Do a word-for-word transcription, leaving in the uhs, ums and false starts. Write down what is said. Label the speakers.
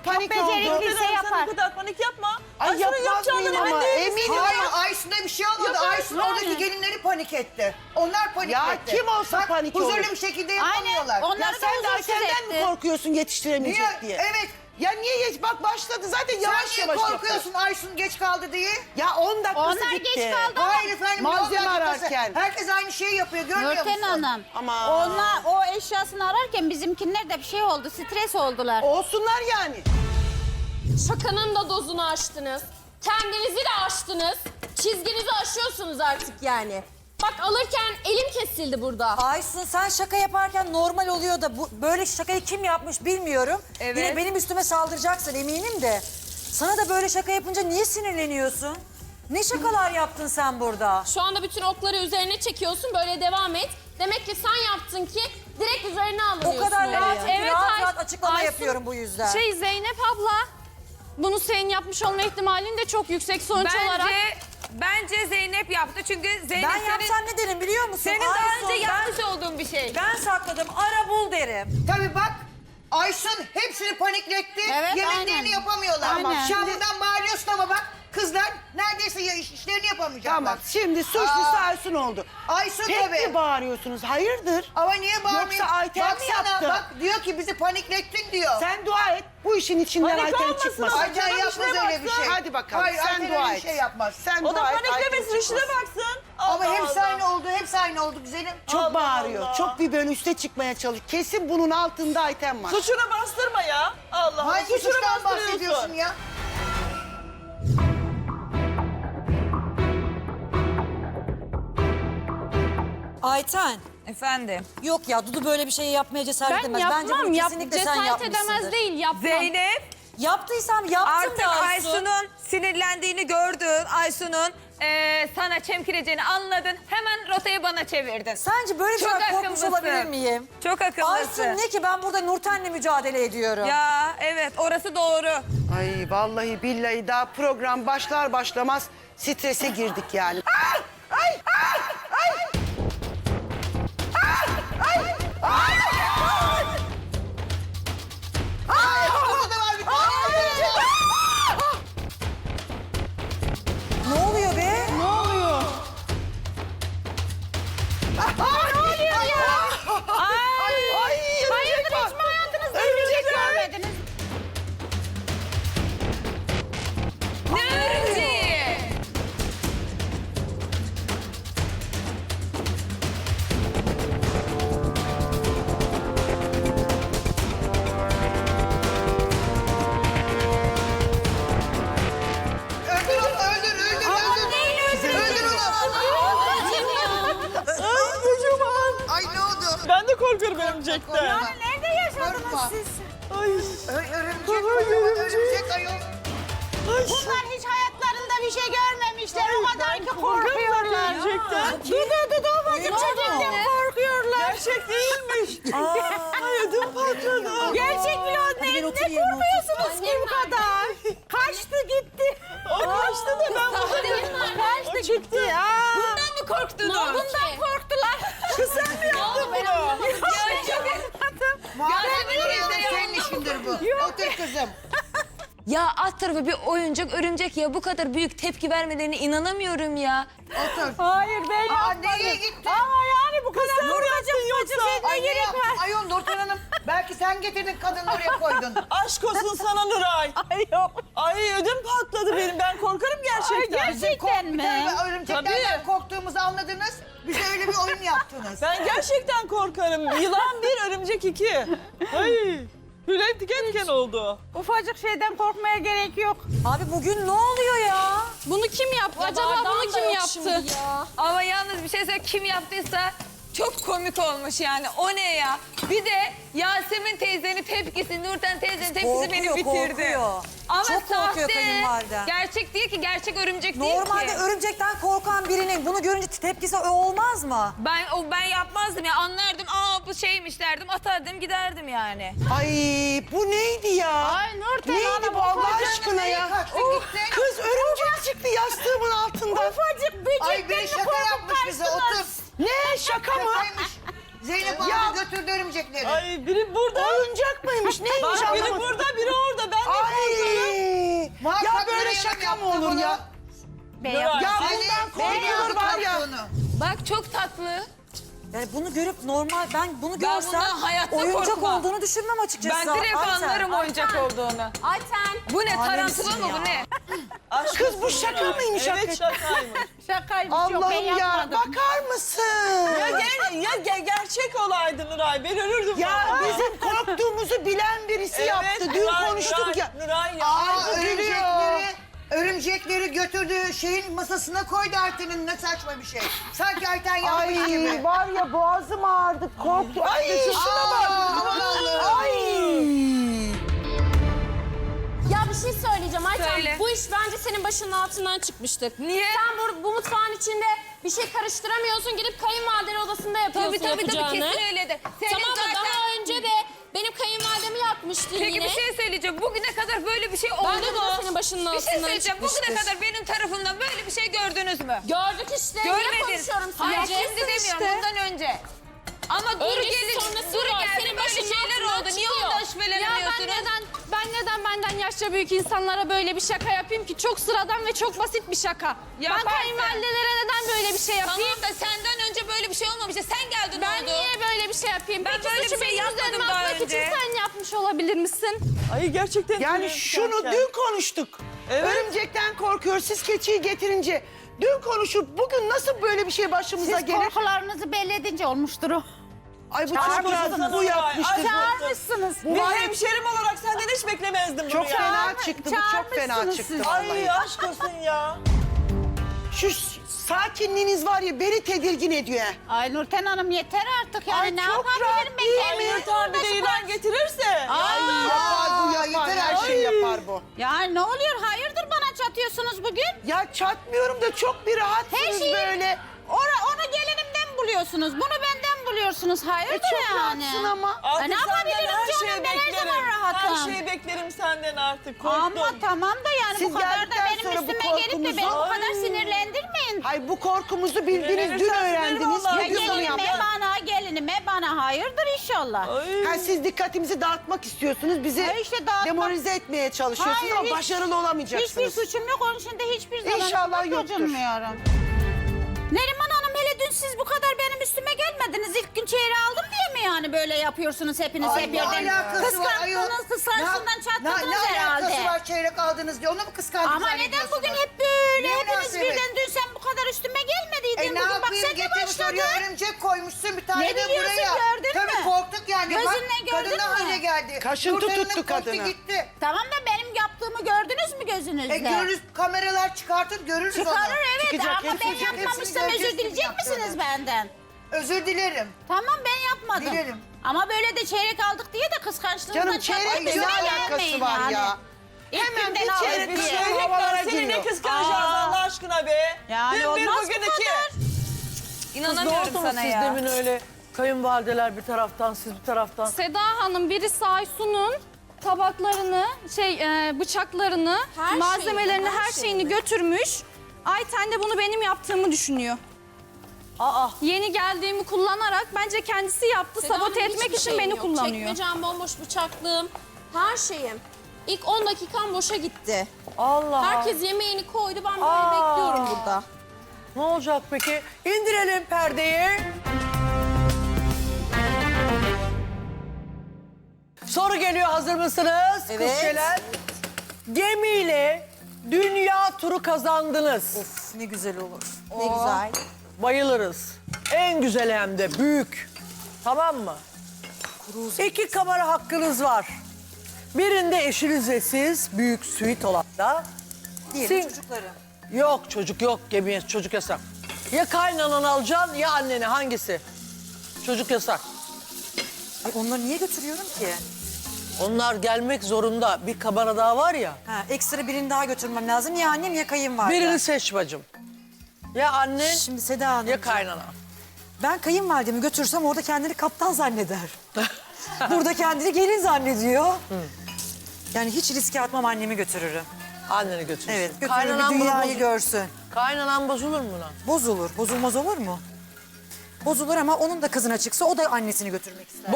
Speaker 1: panik
Speaker 2: Çok
Speaker 1: oldu.
Speaker 2: becerikliyse
Speaker 3: Sen
Speaker 2: yapar.
Speaker 3: bu kadar panik yapma.
Speaker 1: Ay,
Speaker 3: Aysun'un
Speaker 1: yapmaz
Speaker 3: yapacağından
Speaker 1: mıyım
Speaker 3: emin
Speaker 1: ama?
Speaker 3: değil misin?
Speaker 1: Eminim.
Speaker 4: Hayır Aysun'da bir şey olmadı.
Speaker 3: Yok,
Speaker 4: Aysun
Speaker 3: yani.
Speaker 4: oradaki gelinleri panik etti. Onlar panik
Speaker 1: Ya
Speaker 4: etti.
Speaker 1: kim olsa
Speaker 4: Bak,
Speaker 1: panik
Speaker 4: huzurlu
Speaker 1: olur.
Speaker 4: bir şekilde
Speaker 2: Aynen.
Speaker 4: yapamıyorlar.
Speaker 2: Onları
Speaker 1: Ya
Speaker 2: da
Speaker 1: sen de
Speaker 2: huzursuz
Speaker 1: Ayten'den mi
Speaker 2: etti.
Speaker 1: korkuyorsun yetiştiremeyecek
Speaker 4: Niye?
Speaker 1: diye?
Speaker 4: Evet.
Speaker 1: Ya niye geç? Bak başladı zaten yavaş
Speaker 4: Sen niye
Speaker 1: yavaş
Speaker 4: korkuyorsun Aysun geç kaldı diye?
Speaker 1: yapıyor. Ya on dakikası
Speaker 2: Onlar
Speaker 1: gitti.
Speaker 2: geç kaldı.
Speaker 4: Hayır efendim.
Speaker 1: Malzeme
Speaker 4: on dakikası.
Speaker 1: ararken.
Speaker 4: Herkes aynı şeyi yapıyor görmüyor
Speaker 2: Nurten
Speaker 4: musun?
Speaker 2: Hanım.
Speaker 1: Ama-
Speaker 2: Onlar o eşyasını ararken bizimkiler de bir şey oldu. Stres oldular.
Speaker 1: Olsunlar yani.
Speaker 5: Şakanın da dozunu aştınız. Kendinizi de aştınız. Çizginizi aşıyorsunuz artık yani. Bak alırken elim kesildi burada.
Speaker 6: Aysun sen şaka yaparken normal oluyor da bu böyle şakayı kim yapmış bilmiyorum.
Speaker 5: Evet.
Speaker 6: Yine benim üstüme saldıracaksın eminim de. Sana da böyle şaka yapınca niye sinirleniyorsun? Ne şakalar yaptın sen burada?
Speaker 5: Şu anda bütün okları üzerine çekiyorsun. Böyle devam et. Demek ki sen yaptın ki direkt üzerine
Speaker 6: O
Speaker 5: alınıyorsun.
Speaker 6: kadar
Speaker 5: oraya.
Speaker 6: rahat,
Speaker 7: Evet,
Speaker 6: rahat,
Speaker 7: Ay-
Speaker 6: rahat açıklama
Speaker 7: Aysun,
Speaker 6: yapıyorum bu yüzden.
Speaker 7: Şey Zeynep abla, bunu senin yapmış olma ihtimalin de çok yüksek sonuç
Speaker 8: Bence,
Speaker 7: olarak.
Speaker 8: bence Zeynep yaptı çünkü Zeynep
Speaker 6: ben
Speaker 8: senin,
Speaker 6: yapsam ne derim biliyor musun?
Speaker 8: senin daha
Speaker 6: Aysun,
Speaker 8: önce
Speaker 6: ben-
Speaker 8: yapmış olduğun bir şey.
Speaker 6: Ben sakladım ara bul derim.
Speaker 4: Tabii bak Aysun hepsini panikletti.
Speaker 2: Evet,
Speaker 4: Yemeklerini
Speaker 2: aynen.
Speaker 4: yapamıyorlar.
Speaker 2: Aynen.
Speaker 4: Şu an buradan bağırıyorsun ama bak kızlar neredeyse ya- iş- işlerini yapamayacaklar.
Speaker 1: Tamam şimdi suçlusu
Speaker 4: Aa.
Speaker 1: Aysun oldu.
Speaker 4: Aysun
Speaker 1: Pek
Speaker 4: tabii.
Speaker 1: mi bağırıyorsunuz? Hayırdır?
Speaker 4: Ama niye bağırmıyor?
Speaker 1: Yoksa Ayten mi
Speaker 4: Baksana,
Speaker 1: yaptı?
Speaker 4: bak diyor ki bizi paniklettin diyor.
Speaker 1: Sen dua et. Bu işin içinden
Speaker 3: Panik
Speaker 1: Ayten
Speaker 3: olmasın
Speaker 1: çıkmasın.
Speaker 3: ama.
Speaker 4: Ayten
Speaker 3: Canım
Speaker 4: yapmaz
Speaker 3: işine
Speaker 4: öyle bir
Speaker 3: baksın.
Speaker 4: şey.
Speaker 1: Hadi bakalım
Speaker 4: Hayır,
Speaker 1: sen
Speaker 4: Ayten
Speaker 1: dua
Speaker 4: öyle
Speaker 1: et.
Speaker 4: bir şey yapmaz.
Speaker 1: Sen
Speaker 3: O da
Speaker 1: dua et.
Speaker 3: paniklemesin
Speaker 1: Ayten
Speaker 3: işine
Speaker 1: çıkmasın.
Speaker 3: baksın.
Speaker 4: Ama
Speaker 3: Allah
Speaker 4: hepsi
Speaker 3: Allah.
Speaker 4: aynı oldu, hepsi aynı oldu güzelim.
Speaker 1: Çok
Speaker 3: Allah
Speaker 1: bağırıyor.
Speaker 3: Allah.
Speaker 1: Çok bir böyle üste çıkmaya çalış. Kesin bunun altında Ayten var.
Speaker 3: Suçunu bastırma ya. Allah Allah.
Speaker 4: Hangi
Speaker 3: Suçunu
Speaker 4: suçtan
Speaker 3: bastırıyorsun.
Speaker 4: bahsediyorsun ya?
Speaker 6: Ayten.
Speaker 8: Efendim.
Speaker 6: Yok ya Dudu böyle bir şey yapmaya cesaret
Speaker 7: Ben
Speaker 6: edemez. Bence
Speaker 7: yapmam,
Speaker 6: bunu
Speaker 7: yap,
Speaker 6: kesinlikle sen
Speaker 7: cesaret
Speaker 6: yapmışsındır.
Speaker 7: edemez değil, yapmam.
Speaker 8: Zeynep
Speaker 6: Yaptıysam yaptım
Speaker 8: artık
Speaker 6: de Aysun.
Speaker 8: Aysun'un sinirlendiğini gördün. Aysun'un eee, sana çemkireceğini anladın. Hemen rotayı bana çevirdin.
Speaker 6: Sence böyle bir
Speaker 8: Çok
Speaker 6: şeyden korkmuş
Speaker 8: akıllısın.
Speaker 6: olabilir miyim?
Speaker 8: Çok akıllısın.
Speaker 6: Aysun ne ki ben burada Nurten'le mücadele ediyorum.
Speaker 8: Ya evet orası doğru.
Speaker 1: Ay vallahi billahi daha program başlar başlamaz strese girdik yani. Ah! Ay! Ah! Ay! Ah! Ay! Ay! Ay!
Speaker 4: Burada da var bir tane.
Speaker 6: Ne oluyor be?
Speaker 1: Ne oluyor? Ay, ne oluyor ya? Ay, ay,
Speaker 2: Hayırdır
Speaker 1: var.
Speaker 2: hiç mi hayatınızda
Speaker 1: Örümcek
Speaker 2: örümcek
Speaker 1: var.
Speaker 2: görmediniz?
Speaker 8: Ne örümceği?
Speaker 4: Öldür onu, öldür, öldür, öldür. Öldür onu.
Speaker 3: Ay kocaman.
Speaker 4: Ay ne oldu?
Speaker 3: Ben de korkuyorum örümcekten.
Speaker 2: Nerede yaşadınız
Speaker 4: Korkma.
Speaker 2: siz?
Speaker 3: Ay.
Speaker 4: Ö- Örümcek,
Speaker 3: Ay,
Speaker 4: kocaman
Speaker 3: örümcek.
Speaker 4: örümcek ayol.
Speaker 2: Bunlar hiç hayatlarında bir şey görmemişler. O kadar
Speaker 3: ben
Speaker 2: ki
Speaker 3: korkuyorum
Speaker 2: korkuyorlar.
Speaker 3: gerçekten.
Speaker 2: Dudu dudu ufacık çocuktan korkuyorlar.
Speaker 3: Gerçek değilmiş. Ay ödüm patladı.
Speaker 2: Gerçek bile o ne,
Speaker 6: gel
Speaker 2: ne
Speaker 6: otur yerine, otur.
Speaker 2: korkuyorsunuz ki bu kadar? Kaçtı gitti.
Speaker 3: O kaçtı da ben burada.
Speaker 2: Kaçtı gitti. Aa.
Speaker 8: Bundan mı korktunuz?
Speaker 2: Bundan korktular.
Speaker 3: Kız sen mi yaptın bunu?
Speaker 4: Muhabbet ediyorum, senin işindir bu. Otur kızım.
Speaker 9: Ya alt tarafı bir oyuncak örümcek ya bu kadar büyük tepki vermelerine inanamıyorum ya.
Speaker 4: Otur.
Speaker 2: Hayır ben
Speaker 4: Aa,
Speaker 2: yapmadım.
Speaker 4: nereye gitti?
Speaker 2: Ama yani bu kadar korkacak
Speaker 3: yoksa?
Speaker 4: Ay ne yaptın? Ayol Nurten Hanım. Belki sen getirdin kadını oraya koydun.
Speaker 3: Aşk olsun sana Nuray.
Speaker 2: Ay yok.
Speaker 3: Ay ödüm patladı benim. Ben korkarım gerçekten.
Speaker 2: Ay, gerçekten mi?
Speaker 4: Tabii örümceklerden
Speaker 3: Tabii.
Speaker 4: korktuğumuzu anladınız. Bize öyle bir oyun yaptınız.
Speaker 3: Ben gerçekten korkarım. Yılan bir, örümcek iki. Ay. Hülya diken diken oldu.
Speaker 2: Ufacık şeyden korkmaya gerek yok.
Speaker 6: Abi bugün ne oluyor ya?
Speaker 7: Bunu kim yaptı? Acaba
Speaker 8: Bardağım
Speaker 7: bunu
Speaker 8: da
Speaker 7: kim
Speaker 8: yok şimdi
Speaker 7: yaptı?
Speaker 8: ya. Ama yalnız bir şey söyleyeyim kim yaptıysa çok komik olmuş yani. O ne ya? Bir de Yasemin teyzenin tepkisi, Nurten teyzenin tepkisi beni
Speaker 6: Korkuyor,
Speaker 8: bitirdi.
Speaker 6: korkuyor.
Speaker 8: Ama
Speaker 6: Çok korkuyor
Speaker 8: sahte.
Speaker 6: kayınvaliden.
Speaker 8: Gerçek değil ki, gerçek örümcek değil
Speaker 6: Normalde
Speaker 8: ki.
Speaker 6: örümcekten korkan birinin bunu görünce tepkisi o olmaz mı?
Speaker 8: Ben o ben yapmazdım ya, anlardım. Aa bu şeymiş derdim, atardım giderdim yani.
Speaker 1: Ay bu neydi ya?
Speaker 2: Ay Nurten
Speaker 1: Neydi
Speaker 2: Hanım,
Speaker 1: bu Allah
Speaker 2: ufacık
Speaker 1: aşkına ya?
Speaker 4: kaçtı
Speaker 1: Oh,
Speaker 4: gitti.
Speaker 1: Kız örümcek çıktı yastığımın altından.
Speaker 2: Ufacık böcekten
Speaker 4: Ay biri şaka yapmış bize otur.
Speaker 1: Ne şaka mı?
Speaker 4: Şakaymış. Zeynep
Speaker 1: Ya.
Speaker 4: abi götürdü örümcekleri.
Speaker 3: Ay biri burada.
Speaker 1: Oyuncak mıymış? Neymiş
Speaker 3: Bak biri
Speaker 1: anlamadım.
Speaker 3: burada, biri orada. Ben de
Speaker 1: mı olur ya?
Speaker 2: Ben
Speaker 1: Ya
Speaker 2: yapmadım.
Speaker 1: bundan korkulur var ya.
Speaker 8: Bak çok tatlı.
Speaker 6: Yani bunu görüp normal ben bunu
Speaker 8: Ben
Speaker 6: görsem
Speaker 8: bundan hayatta
Speaker 6: oyuncak
Speaker 8: korkmam.
Speaker 6: olduğunu düşünmem açıkçası.
Speaker 8: Ben direkt
Speaker 6: Ayten.
Speaker 8: anlarım oyuncak olduğunu.
Speaker 5: Ayten.
Speaker 8: Bu ne
Speaker 6: Alemsin
Speaker 8: tarantula mı
Speaker 6: ya.
Speaker 8: bu ne?
Speaker 3: Aşk
Speaker 1: Kız bu
Speaker 3: olsun
Speaker 1: şaka
Speaker 3: Nuray.
Speaker 1: mıymış
Speaker 3: Evet
Speaker 1: hakikaten?
Speaker 3: şakaymış.
Speaker 2: Şakaymış yok ben
Speaker 1: Allah'ım ya
Speaker 2: yapmadım.
Speaker 1: bakar mısın?
Speaker 3: Ya, ger ya ge- gerçek olaydı Nuray. Ben ölürdüm
Speaker 1: Ya
Speaker 3: vallahi.
Speaker 1: bizim korktuğumuzu bilen birisi
Speaker 3: Evet,
Speaker 1: yaptı. Dün
Speaker 3: Nuray,
Speaker 1: konuştuk
Speaker 3: Nuray,
Speaker 1: ya.
Speaker 3: Nuray ya.
Speaker 4: Aa,
Speaker 1: Ay, gülüyor.
Speaker 4: örümcekleri, örümcekleri götürdüğü şeyin masasına koydu Ayten'in, ne saçma bir şey. Sanki Ayten yapmış
Speaker 1: Ay
Speaker 4: gibi.
Speaker 1: var ya boğazım ağrıdı korktu. Ay şuna bak.
Speaker 4: Aman Allah'ım.
Speaker 1: Ay.
Speaker 5: Ya bir şey söyleyeceğim Ayten.
Speaker 8: Söyle.
Speaker 5: Bu iş bence senin başının altından çıkmıştır.
Speaker 8: Niye?
Speaker 5: Sen bu, bu mutfağın içinde bir şey karıştıramıyorsun. Gidip kayınvalidenin odasında yapıyorsun
Speaker 8: Tabii tabii tabii
Speaker 5: yapacağını.
Speaker 8: kesin öyledir. Senin
Speaker 5: Tamam mı?
Speaker 8: zaten...
Speaker 5: Daha önce de benim kayınvalidemi yakmıştın
Speaker 8: Peki
Speaker 5: yine.
Speaker 8: bir şey söyleyeceğim. Bugüne kadar böyle bir şey oldu
Speaker 5: Bence
Speaker 8: mu?
Speaker 5: bu senin başının
Speaker 8: Bir şey
Speaker 5: altından
Speaker 8: söyleyeceğim. Bugüne
Speaker 5: çıkmıştır.
Speaker 8: kadar benim tarafımdan böyle bir şey gördünüz mü?
Speaker 5: Gördük işte. Niye
Speaker 8: Görmedin.
Speaker 5: konuşuyorum
Speaker 8: Hayır
Speaker 5: sadece?
Speaker 8: şimdi demiyorum bundan önce. Ama Duru
Speaker 5: Öncesi
Speaker 8: gelin,
Speaker 5: sonrası
Speaker 8: Duru
Speaker 5: var.
Speaker 8: geldi
Speaker 5: Senin
Speaker 8: böyle
Speaker 5: başının
Speaker 8: şeyler
Speaker 5: altından
Speaker 8: oldu. Niye
Speaker 5: çıkıyor.
Speaker 8: ondan
Speaker 7: Ya ben
Speaker 8: şüphelenmiyorsunuz?
Speaker 7: neden ben neden benden yaşça büyük insanlara böyle bir şaka yapayım ki? Çok sıradan ve çok basit bir şaka.
Speaker 8: Yaparsın.
Speaker 7: Ben kayınvalidelere neden böyle bir şey yapayım?
Speaker 8: Tamam da senden önce böyle bir şey olmamıştı. Sen geldin
Speaker 7: Ben
Speaker 8: oldu.
Speaker 7: niye böyle bir şey yapayım?
Speaker 8: Ben
Speaker 7: Peki
Speaker 8: böyle bir
Speaker 7: suçu
Speaker 8: şey
Speaker 7: benim
Speaker 8: yapmadım
Speaker 7: üzerime
Speaker 8: daha
Speaker 7: atmak için
Speaker 8: önce.
Speaker 7: sen yapmış olabilir misin?
Speaker 3: Ay gerçekten.
Speaker 1: Yani
Speaker 3: tüylerim
Speaker 1: şunu
Speaker 3: diken
Speaker 1: dün konuştuk.
Speaker 3: Evet.
Speaker 1: Örümcekten korkuyor. Siz keçiyi getirince dün konuşup bugün nasıl böyle bir şey başımıza
Speaker 2: Siz
Speaker 1: gelir?
Speaker 2: korkularınızı belli edince olmuştur o.
Speaker 1: Ay bu
Speaker 3: Çağırmışsınız
Speaker 1: çok bu
Speaker 3: Nuray.
Speaker 1: yapmıştır.
Speaker 3: Ay,
Speaker 1: bu.
Speaker 2: Çağırmışsınız.
Speaker 1: Bu
Speaker 3: Bir
Speaker 1: var ya,
Speaker 3: hemşerim olarak senden hiç beklemezdim
Speaker 1: çok
Speaker 3: bunu ya.
Speaker 1: fena çıktı. Bu çok fena
Speaker 2: çağırmışsınız
Speaker 1: çıktı.
Speaker 2: siz.
Speaker 1: vallahi.
Speaker 3: Ay aşk olsun ya.
Speaker 1: Şu sakinliğiniz var ya beni tedirgin ediyor.
Speaker 2: Ay Nurten Hanım yeter artık yani
Speaker 1: Ay,
Speaker 2: ne
Speaker 1: çok
Speaker 2: yapabilirim
Speaker 1: rahat
Speaker 2: ben
Speaker 1: değil
Speaker 2: kendimi
Speaker 3: Ay Nurten bir de yılan getirirse.
Speaker 1: Ay yapar bu
Speaker 4: ya,
Speaker 1: yapar.
Speaker 4: yeter
Speaker 1: Her
Speaker 4: artık.
Speaker 1: şeyi yapar bu.
Speaker 2: Ya ne oluyor hayırdır bana çatıyorsunuz bugün?
Speaker 1: Ya çatmıyorum da çok bir
Speaker 2: Her
Speaker 1: rahatsınız
Speaker 2: şeyi
Speaker 1: böyle.
Speaker 2: Ora, onu gelinimden buluyorsunuz. Bunu benden buluyorsunuz. Hayırdır
Speaker 1: E çok
Speaker 2: yani?
Speaker 1: rahatsın ama.
Speaker 3: Artık
Speaker 2: ne
Speaker 3: senden
Speaker 2: yapabilirim
Speaker 3: her
Speaker 2: canım?
Speaker 3: şeyi
Speaker 2: Ben her
Speaker 3: beklerim.
Speaker 2: zaman rahatım.
Speaker 3: Her şeyi beklerim senden artık. Korktum.
Speaker 2: Ama tamam da yani
Speaker 1: Siz
Speaker 2: bu kadar da
Speaker 1: geldikten
Speaker 2: benim
Speaker 1: sonra bu
Speaker 2: üstüme gelip de beni bu
Speaker 1: korkumuzu-
Speaker 2: kadar
Speaker 3: Ay.
Speaker 2: sinirlendirmeyin.
Speaker 1: Hay bu korkumuzu bildiniz, dün
Speaker 3: Sinirlenirsen
Speaker 1: öğrendiniz.
Speaker 3: sinir vallahi.
Speaker 1: Bugün bunu
Speaker 2: Gelinime
Speaker 1: yaptınız.
Speaker 2: bana, gelinime bana. Hayırdır inşallah.
Speaker 3: Ay.
Speaker 1: Ha, siz dikkatimizi dağıtmak istiyorsunuz. Bizi
Speaker 2: Ha, işte dağıtmak-
Speaker 1: demoralize etmeye çalışıyorsunuz
Speaker 2: Hayır,
Speaker 1: ama
Speaker 2: hiç-
Speaker 1: başarılı olamayacaksınız.
Speaker 2: Hiçbir suçum yok. Onun için de hiçbir zaman
Speaker 1: İnşallah
Speaker 2: suçum
Speaker 1: yoktur.
Speaker 2: gocunmuyorum. Neriman Hanım hele dün siz bu kadar benim üstüme gelmediniz. İlk gün çeyreği aldım diye mi yani böyle yapıyorsunuz hepiniz
Speaker 4: Ay,
Speaker 2: hep
Speaker 4: ne
Speaker 2: birden?
Speaker 4: alakası var ayol?
Speaker 2: Kıskandınız, kıskançlığından
Speaker 4: Ne-
Speaker 2: çatladınız
Speaker 4: ne, ne
Speaker 2: herhalde.
Speaker 4: alakası var çeyrek aldınız diye onu mu kıskandınız?
Speaker 2: Ama neden
Speaker 4: zannediyorsunuz?
Speaker 2: bugün hep böyle
Speaker 4: Ne
Speaker 2: hepiniz
Speaker 4: münasebet?
Speaker 2: birden dün sen bu kadar üstüme gelmediydin.
Speaker 4: E ne
Speaker 2: bugün bak
Speaker 4: yapayım
Speaker 2: sen de
Speaker 4: getirmiş
Speaker 2: başladın.
Speaker 4: oraya örümcek koymuşsun bir tane
Speaker 2: Ne
Speaker 4: de
Speaker 2: biliyorsun,
Speaker 4: buraya.
Speaker 2: gördün
Speaker 4: Tabii
Speaker 2: mü?
Speaker 4: korktuk yani.
Speaker 2: Gözünle
Speaker 4: Bak,
Speaker 2: gördün
Speaker 4: kadın ne
Speaker 2: mü?
Speaker 4: hale geldi.
Speaker 1: Kaşıntı
Speaker 4: Nurten Hanım
Speaker 1: tuttu
Speaker 4: korktu,
Speaker 1: kadını.
Speaker 4: gitti.
Speaker 2: Tamam da benim yaptığımı gördünüz mü gözünüzle?
Speaker 4: E görürüz kameralar çıkartır görürüz onu.
Speaker 2: Çıkarır evet
Speaker 1: Çıkacak,
Speaker 2: ama ben
Speaker 1: hepsini-
Speaker 2: yapmamışsam
Speaker 4: hepsini
Speaker 2: özür
Speaker 4: göreceğiz
Speaker 2: dileyecek
Speaker 4: kim
Speaker 2: misiniz
Speaker 4: yaptığını.
Speaker 2: benden?
Speaker 4: Özür dilerim.
Speaker 2: Tamam ben yapmadım.
Speaker 4: Dilerim.
Speaker 2: Ama böyle de çeyrek aldık diye de kıskançlığımdan
Speaker 1: Canım çeyrekle ne
Speaker 2: üstüme
Speaker 1: alakası
Speaker 2: gelmeyin
Speaker 1: var
Speaker 2: yani.
Speaker 1: ya?
Speaker 2: İlk
Speaker 1: Hemen
Speaker 2: günden
Speaker 1: bir
Speaker 2: aldık
Speaker 1: çeyrek
Speaker 2: diye.
Speaker 1: bir şey
Speaker 3: Çeyrekler
Speaker 1: havalara
Speaker 3: seni ne
Speaker 1: giriyor.
Speaker 3: kıskanacağız
Speaker 2: Aa.
Speaker 3: Allah aşkına be.
Speaker 2: Yani
Speaker 3: Dün bir
Speaker 2: olmaz
Speaker 3: bugün
Speaker 2: bu
Speaker 3: iki.
Speaker 2: kadar.
Speaker 8: İnanamıyorum sana
Speaker 10: siz
Speaker 8: ya.
Speaker 10: demin öyle kayınvalideler bir taraftan siz bir taraftan.
Speaker 7: Seda Hanım birisi Aysun'un tabaklarını, şey e, bıçaklarını,
Speaker 5: Her
Speaker 7: malzemelerini,
Speaker 5: şeyini, her
Speaker 7: her şeyini
Speaker 5: şeyini.
Speaker 7: götürmüş. Ayten de bunu benim yaptığımı düşünüyor.
Speaker 10: Aa,
Speaker 7: Yeni geldiğimi kullanarak bence kendisi yaptı.
Speaker 5: Seda
Speaker 7: Sabote
Speaker 5: Hanım,
Speaker 7: etmek
Speaker 5: hiçbir
Speaker 7: için
Speaker 5: şeyim
Speaker 7: beni
Speaker 5: yok.
Speaker 7: kullanıyor.
Speaker 5: Çekmecem bomboş, bıçaklığım, her şeyim. İlk on dakikam boşa gitti.
Speaker 10: Allah.
Speaker 5: Herkes yemeğini koydu, ben böyle
Speaker 10: Aa.
Speaker 5: bekliyorum burada.
Speaker 10: Ne olacak peki? İndirelim perdeyi. Soru geliyor, hazır mısınız?
Speaker 6: Evet.
Speaker 10: Kız Şelen. Gemiyle dünya turu kazandınız.
Speaker 6: Of ne güzel olur.
Speaker 2: Ne güzel.
Speaker 10: Bayılırız. En güzel hem de büyük. Tamam mı? İki kamera hakkınız var. Birinde eşiniz ve siz, büyük suite olan da.
Speaker 6: Diyelim
Speaker 10: Sin-
Speaker 6: çocukları.
Speaker 10: Yok çocuk yok, gemiye çocuk yasak. Ya kaynananı alacaksın ya anneni, hangisi? Çocuk yasak.
Speaker 6: Ay, onları niye götürüyorum ki?
Speaker 10: Onlar gelmek zorunda. Bir kamera daha var ya.
Speaker 6: Ha, ekstra birini daha götürmem lazım. Ya annem ya kayınvalidem.
Speaker 10: Birini seç bacım. Ya annen
Speaker 6: Şimdi Seda Hanım.
Speaker 10: ya kaynana.
Speaker 6: Ben kayınvalidemi götürsem orada kendini kaptan zanneder. Burada kendini gelin zannediyor. Yani hiç riske atmam, annemi götürürüm.
Speaker 10: Anneni götürsün.
Speaker 6: Evet, götürürüm
Speaker 10: Kaynanan
Speaker 6: bir
Speaker 10: bunu
Speaker 6: dünyayı
Speaker 10: boz-
Speaker 6: görsün.
Speaker 10: Kaynanan bozulur mu lan?
Speaker 6: Bozulur, bozulmaz olur mu? Bozulur ama onun da kızına çıksa o da annesini götürmek ister.